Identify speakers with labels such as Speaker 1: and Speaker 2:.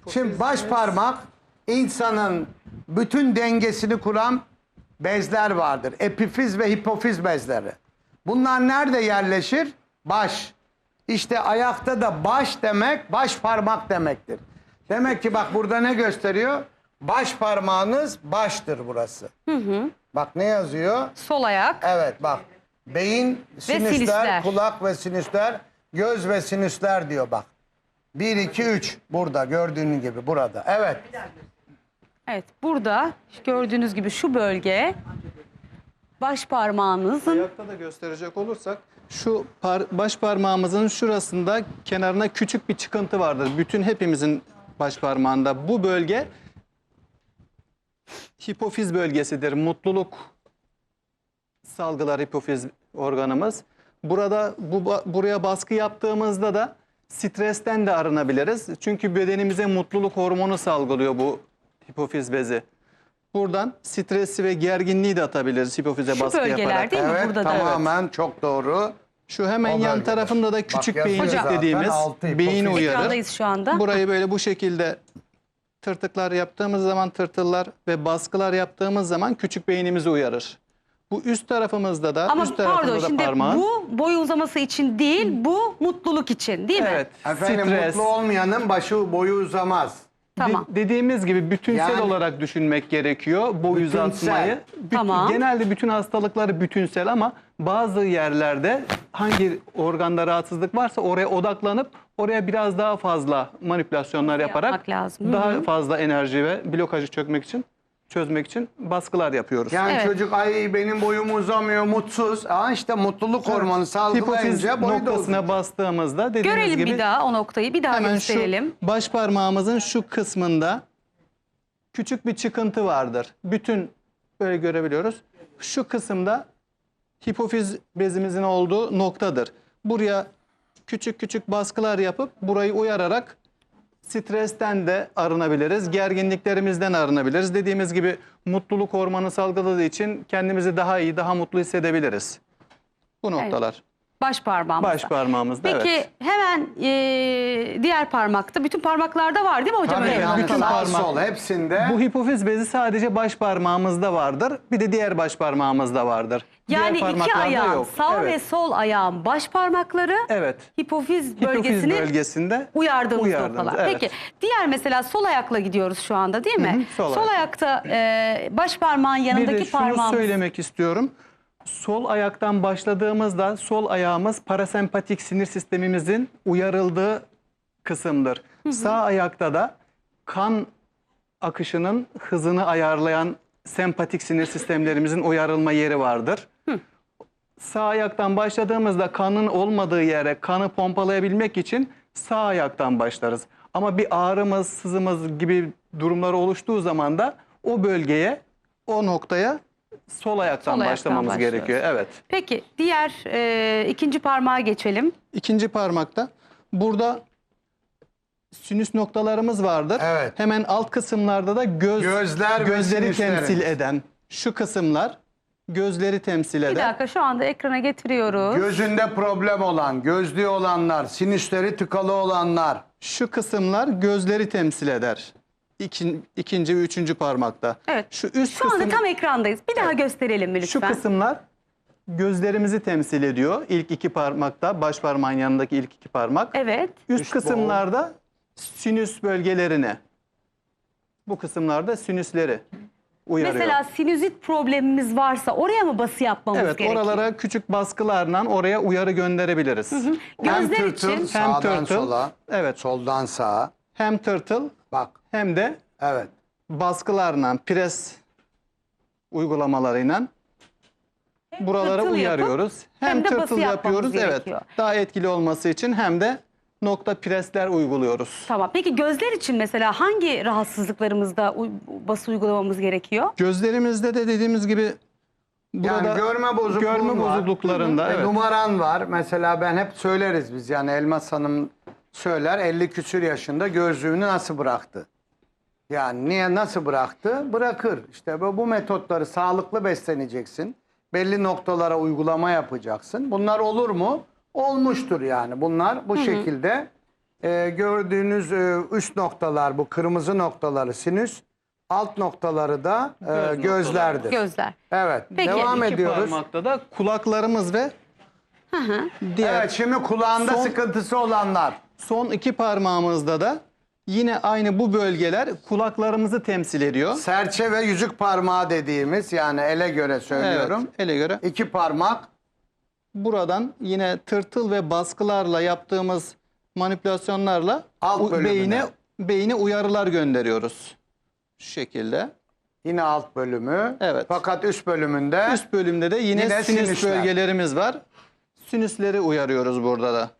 Speaker 1: Şimdi baş parmak insanın bütün dengesini kuran bezler vardır. Epifiz ve hipofiz bezleri. Bunlar nerede yerleşir? Baş. İşte ayakta da baş demek baş parmak demektir. Demek ki bak burada ne gösteriyor? Baş parmağınız baştır burası. Bak ne yazıyor?
Speaker 2: Sol ayak.
Speaker 1: Evet bak. Beyin, sinüsler,
Speaker 2: sinüsler.
Speaker 1: kulak ve sinüsler, göz ve sinüsler diyor bak. 1, 2, 3 burada gördüğünüz gibi burada. Evet.
Speaker 2: Evet, burada gördüğünüz gibi şu bölge baş parmağınızın
Speaker 3: Ayakta da gösterecek olursak şu baş parmağımızın şurasında kenarına küçük bir çıkıntı vardır. Bütün hepimizin baş parmağında bu bölge hipofiz bölgesidir. Mutluluk salgılar hipofiz organımız. Burada buraya baskı yaptığımızda da stresten de arınabiliriz. Çünkü bedenimize mutluluk hormonu salgılıyor bu hipofiz bezi. Buradan stresi ve gerginliği de atabiliriz hipofize
Speaker 2: şu
Speaker 3: baskı
Speaker 2: bölgeler
Speaker 3: yaparak.
Speaker 2: değil mi?
Speaker 1: Evet
Speaker 2: Burada da.
Speaker 1: tamamen çok doğru.
Speaker 3: Şu hemen
Speaker 1: O
Speaker 3: yan
Speaker 1: bölgede.
Speaker 3: tarafında da küçük
Speaker 1: Bak,
Speaker 3: beyin
Speaker 1: yazıyor zaten,
Speaker 3: dediğimiz
Speaker 1: altı
Speaker 3: beyin
Speaker 1: hipofiz.
Speaker 3: uyarır.
Speaker 2: Ekrandayız şu anda.
Speaker 3: Burayı böyle bu şekilde tırtıklar yaptığımız zaman tırtıllar ve baskılar yaptığımız zaman küçük beynimizi uyarır. Bu üst tarafımızda da
Speaker 2: Ama
Speaker 3: üst tarafında
Speaker 2: pardon
Speaker 3: da
Speaker 2: şimdi
Speaker 3: parmağın.
Speaker 2: bu boy uzaması için değil, bu mutluluk için değil mi?
Speaker 3: Evet.
Speaker 1: Efendim
Speaker 3: Stres.
Speaker 1: mutlu olmayanın başı boyu uzamaz.
Speaker 2: Tamam.
Speaker 3: Dediğimiz gibi bütünsel
Speaker 1: Yani-
Speaker 3: olarak düşünmek gerekiyor boy
Speaker 1: Bütünsel.
Speaker 3: uzatmayı.
Speaker 2: Tamam.
Speaker 3: Genelde bütün hastalıkları bütünsel ama bazı yerlerde hangi organda rahatsızlık varsa oraya odaklanıp oraya biraz daha fazla manipülasyonlar yaparak
Speaker 2: Yapmak lazım.
Speaker 3: daha fazla enerji ve blokajı çözmek için baskılar yapıyoruz.
Speaker 1: Yani
Speaker 2: Evet.
Speaker 1: çocuk ay benim boyum uzamıyor mutsuz. İşte mutluluk hormonu
Speaker 3: Hipofiz
Speaker 1: salgılayınca boyu da
Speaker 3: noktasına
Speaker 1: uzun.
Speaker 3: bastığımızda dediğimiz
Speaker 2: Görelim
Speaker 3: gibi
Speaker 2: bir daha o noktayı, bir daha
Speaker 3: hemen
Speaker 2: gösterelim.
Speaker 3: şu baş parmağımızın şu kısmında küçük bir çıkıntı vardır. Bütün böyle görebiliyoruz. Şu kısımda hipofiz bezimizin olduğu noktadır. Buraya küçük küçük baskılar yapıp burayı uyararak stresten de arınabiliriz. Gerginliklerimizden arınabiliriz. Dediğimiz gibi mutluluk hormonu salgıladığı için kendimizi daha iyi, daha mutlu hissedebiliriz. Bu noktalar.
Speaker 2: Baş parmağımızda.
Speaker 3: Baş parmağımızda
Speaker 2: Peki
Speaker 3: evet.
Speaker 2: hemen diğer parmakta, bütün parmaklarda var değil mi hocam?
Speaker 1: Tabii
Speaker 2: öyle bir
Speaker 1: yani
Speaker 3: bütün
Speaker 2: noktalar?
Speaker 1: sağ
Speaker 3: parmak-
Speaker 1: sol hepsinde.
Speaker 3: Bu hipofiz bezi sadece baş parmağımızda vardır. Bir de diğer baş parmağımızda vardır.
Speaker 2: Yani
Speaker 3: Diğer
Speaker 2: iki
Speaker 3: parmaklarda
Speaker 2: ayağın,
Speaker 3: yok.
Speaker 2: sağ
Speaker 3: Evet.
Speaker 2: ve sol ayağın baş parmakları
Speaker 3: Evet.
Speaker 2: hipofiz
Speaker 3: Hipofiz
Speaker 2: bölgesini
Speaker 3: bölgesinde
Speaker 2: uyardığımız noktalar.
Speaker 3: evet.
Speaker 2: Peki diğer mesela sol ayakla gidiyoruz şu anda değil mi?
Speaker 3: sol
Speaker 2: Sol ayakta baş parmağın
Speaker 3: Bir de
Speaker 2: yanındaki
Speaker 3: şunu
Speaker 2: parmağımız.
Speaker 3: söylemek istiyorum. Sol ayaktan başladığımızda sol ayağımız parasempatik sinir sistemimizin uyarıldığı kısımdır. Sağ ayakta da kan akışının hızını ayarlayan sempatik sinir sistemlerimizin uyarılma yeri vardır. Sağ ayaktan başladığımızda kanın olmadığı yere kanı pompalayabilmek için sağ ayaktan başlarız. Ama bir ağrımız, sızımız gibi durumlar oluştuğu zaman da o bölgeye, o noktaya sol ayaktan
Speaker 2: Sol ayaktan
Speaker 3: başlamamız
Speaker 2: başlıyoruz.
Speaker 3: gerekiyor. Evet.
Speaker 2: Peki diğer ikinci parmağa geçelim.
Speaker 3: İkinci parmakta burada sinüs noktalarımız vardır.
Speaker 1: Evet.
Speaker 3: Hemen alt kısımlarda da
Speaker 1: Gözler ve
Speaker 3: gözleri
Speaker 1: sinüsleri.
Speaker 3: temsil eden şu kısımlar gözleri temsil
Speaker 2: Bir
Speaker 3: eden.
Speaker 2: dakika şu anda ekrana getiriyoruz.
Speaker 1: Gözünde problem olan, gözlüğü olanlar, sinüsleri tıkalı olanlar.
Speaker 3: Şu kısımlar gözleri temsil eder. İkinci ve üçüncü parmakta.
Speaker 2: Evet.
Speaker 3: Şu üst
Speaker 2: Şu anda
Speaker 3: kısım,
Speaker 2: tam ekrandayız. Bir daha gösterelim mi
Speaker 3: şu
Speaker 2: lütfen?
Speaker 3: kısımlar gözlerimizi temsil ediyor. İlk iki parmakta, baş parmağın yanındaki ilk iki parmak.
Speaker 2: Evet.
Speaker 3: Üst
Speaker 1: Üst
Speaker 3: kısımlarda sinüs bölgelerini. Bu kısımlarda sinüsleri uyarıyor.
Speaker 2: Mesela sinüzit problemimiz varsa oraya mı bası yapmamız
Speaker 3: Evet,
Speaker 2: gerekiyor?
Speaker 3: oralara küçük baskılarla oraya uyarı gönderebiliriz.
Speaker 1: Hem
Speaker 2: Gözler
Speaker 1: tırtıl,
Speaker 2: için
Speaker 1: sağdan
Speaker 3: tırtıl,
Speaker 1: sola,
Speaker 3: evet.
Speaker 1: soldan sağa.
Speaker 3: Hem tırtıl
Speaker 1: Bak,
Speaker 3: hem de
Speaker 1: evet.
Speaker 3: baskılarla, pres uygulamalarıyla buralara
Speaker 2: tırtıl
Speaker 3: uyarıyoruz.
Speaker 2: hem de bası
Speaker 3: tırtıl
Speaker 2: yapmamız
Speaker 3: yapıyoruz, evet.
Speaker 2: gerekiyor.
Speaker 3: Daha etkili olması için hem de nokta presler uyguluyoruz.
Speaker 2: Tamam. Peki gözler için mesela hangi rahatsızlıklarımızda bası uygulamamız gerekiyor?
Speaker 3: Gözlerimizde de dediğimiz gibi burada
Speaker 1: Yani görme bozukluğun
Speaker 3: görme
Speaker 1: var.
Speaker 3: bozukluklarında evet.
Speaker 1: Numaran var. Mesela ben hep söyleriz biz, yani Elmas Hanım söyler, 50 küsür yaşında gözlüğünü nasıl bıraktı? Yani niye, nasıl bıraktı? Bırakır. İşte bu metotları, sağlıklı besleneceksin. Belli noktalara uygulama yapacaksın. Bunlar olur mu? Olmuştur yani. Bunlar bu şekilde gördüğünüz üst noktalar, bu kırmızı noktaları sinüs, alt noktaları da gözlerdir.
Speaker 2: Gözler.
Speaker 1: Evet.
Speaker 2: Peki.
Speaker 1: Devam
Speaker 3: İki
Speaker 1: ediyoruz.
Speaker 3: parmakta da kulaklarımız ve diğer
Speaker 1: Evet, şimdi kulağında
Speaker 3: Son-
Speaker 1: sıkıntısı olanlar.
Speaker 3: son iki parmağımızda da yine aynı bu bölgeler kulaklarımızı temsil ediyor.
Speaker 1: Serçe ve yüzük parmağı dediğimiz, yani ele göre söylüyorum.
Speaker 3: Evet, ele göre.
Speaker 1: İki parmak.
Speaker 3: Buradan yine tırtıl ve baskılarla yaptığımız manipülasyonlarla
Speaker 1: Alt bölümüne.
Speaker 3: beyine uyarılar gönderiyoruz. Şu şekilde.
Speaker 1: Yine alt bölümü.
Speaker 3: Evet.
Speaker 1: Fakat üst bölümünde
Speaker 3: Üst bölümde de yine
Speaker 1: Yine
Speaker 3: sinüs
Speaker 1: sinüsler.
Speaker 3: bölgelerimiz var. Sinüsleri uyarıyoruz burada da.